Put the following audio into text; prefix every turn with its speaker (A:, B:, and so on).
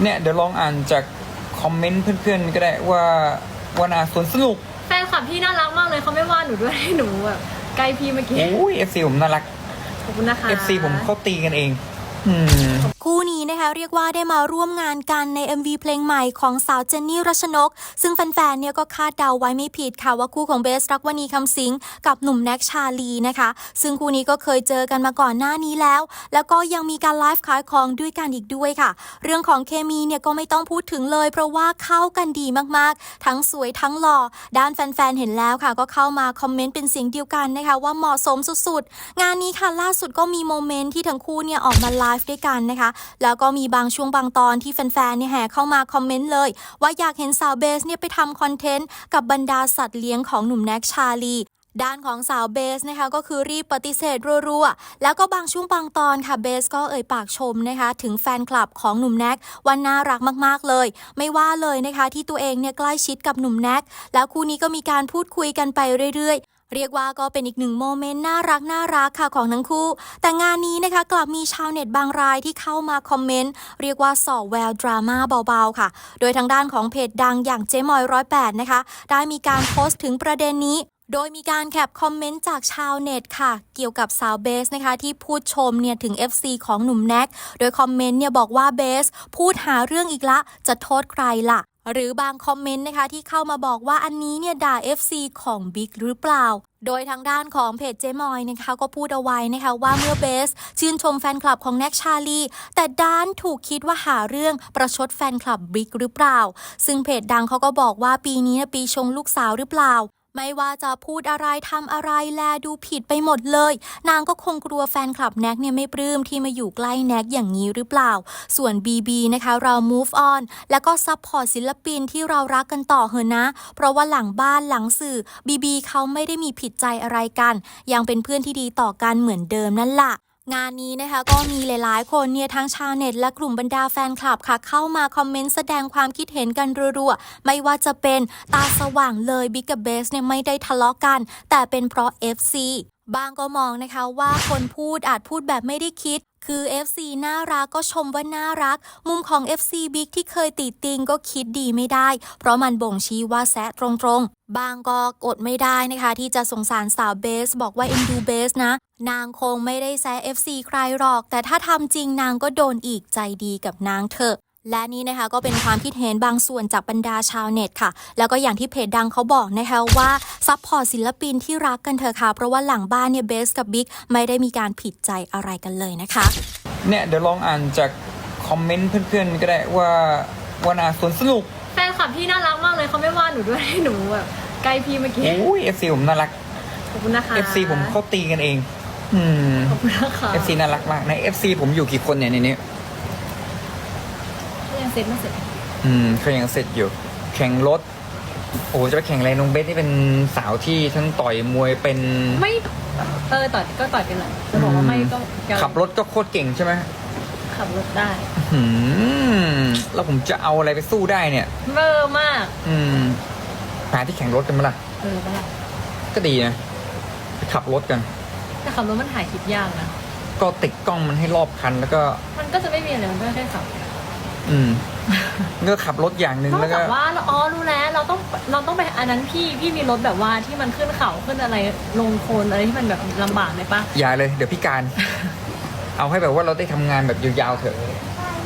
A: เนี่ยเดี๋ยวลองอ่านจากคอมเมนต์เพื่อนๆก็ได้ว่าวันอาสวนสนุก
B: แฟนคลับพี่น่ารักมากเลยเขาไม่ว่าหนูด้วยหนูแบบใกล้พี่เมื่อกี้
A: โอ้ย FC ผมน่ารัก
B: ขอบคุณนะคะ
A: FC ผมเขาตีกันเอง
C: คู่นี้นะคะเรียกว่าได้มาร่วมงานกันใน MV เพลงใหม่ของสาวเจนนี่รัชนกซึ่งแฟนๆเนี่ยก็คาดเดาไว้ไม่ผิดค่ะว่าคู่ของเบสรักวณีคำสิงกับหนุ่มแน็กชาลีนะคะซึ่งคู่นี้ก็เคยเจอกันมาก่อนหน้านี้แล้วก็ยังมีการไลฟ์ขายของด้วยกันอีกด้วยค่ะเรื่องของเคมีเนี่ยก็ไม่ต้องพูดถึงเลยเพราะว่าเข้ากันดีมากๆทั้งสวยทั้งหล่อด้านแฟนๆเห็นแล้วค่ะก็เข้ามาคอมเมนต์เป็นเสียงเดียวกันนะคะว่าเหมาะสมสุดๆงานนี้ค่ะล่าสุดก็มีโมเมนต์ที่ทั้งคู่เนี่ยออกมาไลฟ์ด้วยกันนะคะแล้วก็มีบางช่วงบางตอนที่แฟนๆเนี่ยแห่เข้ามาคอมเมนต์เลยว่าอยากเห็นสาวเบสเนี่ยไปทำคอนเทนต์กับบรรดาสัตว์เลี้ยงของหนุ่มแน็กชาลีด้านของสาวเบสนะคะก็คือรีบปฏิเสธรัวๆแล้วก็บางช่วงบางตอนค่ะเบสก็เอ่ยปากชมนะคะถึงแฟนคลับของหนุ่มแน็กว่าน่ารักมากๆเลยไม่ว่าเลยนะคะที่ตัวเองเนี่ยใกล้ชิดกับหนุ่มแน็กแล้วคู่นี้ก็มีการพูดคุยกันไปเรื่อยๆเรียกว่าก็เป็นอีกหนึ่งโมเมนต์น่ารักค่ะของทั้งคู่แต่งานนี้นะคะกลับมีชาวเน็ตบางรายที่เข้ามาคอมเมนต์เรียกว่าส่อแววดราม่าเบาๆค่ะโดยทางด้านของเพจดังอย่างเจ๊มอย108นะคะได้มีการโพสต์ถึงประเด็นนี้โดยมีการแคปคอมเมนต์จากชาวเน็ตค่ะเกี่ยวกับสาวเบสนะคะที่พูดชมเนี่ยถึง FC ของหนุ่มแน็กโดยคอมเมนต์เนี่ยบอกว่าเบสพูดหาเรื่องอีกละจะโทษใครล่ะหรือบางคอมเมนต์นะคะที่เข้ามาบอกว่าอันนี้เนี่ยด่า FC ของบิ๊กหรือเปล่าโดยทางด้านของเพจเจมอยนะคะก็พูดเอาไว้นะคะว่าเมื่อเบสชื่นชมแฟนคลับของแน็กชาลีแต่ด้านถูกคิดว่าหาเรื่องประชดแฟนคลับบิ๊กหรือเปล่าซึ่งเพจดังเขาก็บอกว่าปีนี้ปีชงลูกสาวหรือเปล่าไม่ว่าจะพูดอะไรทำอะไรแลดูผิดไปหมดเลยนางก็คงกลัวแฟนคลับแน็กเนี่ยไม่ปลื้มที่มาอยู่ใกล้แน็กอย่างนี้หรือเปล่าส่วน BB นะคะเรา move on แล้วก็ซัพพอร์ตศิลปินที่เรารักกันต่อเถอะนะเพราะว่าหลังบ้านหลังสื่อ BB เขาไม่ได้มีผิดใจอะไรกันยังเป็นเพื่อนที่ดีต่อกันเหมือนเดิมนั่นล่ะงานนี้นะคะก็มีหลายๆคนเนี่ยทั้งชาวเน็ตและกลุ่มบรรดาแฟนคลับค่ะเข้ามาคอมเมนต์แสดงความคิดเห็นกันรัวๆไม่ว่าจะเป็นตาสว่างเลยบิ๊กกับเบสเนี่ยไม่ได้ทะเลาะกันแต่เป็นเพราะ FC บางก็มองนะคะว่าคนพูดอาจพูดแบบไม่ได้คิดคือ FC น่ารักก็ชมว่าน่ารักมุมของ FC บิ๊กที่เคยติติงก็คิดดีไม่ได้เพราะมันบ่งชี้ว่าแซะตรงๆบางก็กดไม่ได้นะคะที่จะสงสารสาวเบสบอกว่าเอ็นดูเบสนะนางคงไม่ได้แซะ FC ใครหรอกแต่ถ้าทำจริงนางก็โดนอีกใจดีกับนางเถอะและนี่นะคะก็เป็นความคิดเห็นบางส่วนจากบรรดาชาวเน็ตค่ะแล้วก็อย่างที่เพจดังเขาบอกนะคะว่าซัพพอร์ตศิลปินที่รักกันเถอะค่ะเพราะว่าหลังบ้านเนี่ยเบสกับบิ๊กไม่ได้มีการผิดใจอะไรกันเลยนะคะ
A: เนี่ยเดี๋ยวลองอ่านจากคอมเมนต์เพื่อนๆก็ได้ว่าวันอาสวนสนุก
B: แฟนคลับพี่น่ารักมากเลยเขาไม่ว่าหนูด้วยหนูแบบใกล้พี่เมื่อกี้
A: โอ้ย FC ผมน่ารัก
B: ขอบคุณนะคะ
A: FC ผมเขาตีกันเอง
B: ขอบคุณนะคะ
A: FC น่ารักมากใน FC ผมอยู่กี่คนเนี่ยในนี้
B: ยังเสร็จไม่เสร็จ
A: เขายังเสร็จอยู่แข่งรถโอ้จะไปแข่งอะไรน้องเบสนี่เป็นสาวที่ทั้งต่อยมวยเป็น
B: ไม่ต่อยก็ต่อยเป็นเลยจะบอกว่าไม่ก็
A: ขับรถก็โคตรเก่งใช่ไหม
B: ขับรถได้
A: แล้วผมจะเอาอะไรไปสู้ได้เนี่ย
B: เบอร์มาก
A: หาที่แข่งรถกันมั้ยล่ะ
B: ไม่ล่ะ
A: ก็ดีนะไปขับรถกัน
B: แต่ขับรถมันถ่ายคลิปยากนะ
A: ก็ติดกล้องมันให้รอบคันแล้วก็
B: มันก็จะไม่มีอะไรมันก็แค่ขับ
A: ก็ขับรถอย่างหนึ่งแล้วก็
B: ว่ารู้แล้วเราต้องไปอันนั้นพี่มีรถแบบว่าที่มันขึ้นเขาขึ้นอะไรลงโคลนอะไรที่มันแบบลำบากไหมปะ
A: อย่าเลยเดี๋ยวพิการ เอาให้แบบว่าเราได้ทำงานแบบยาวๆเถอะ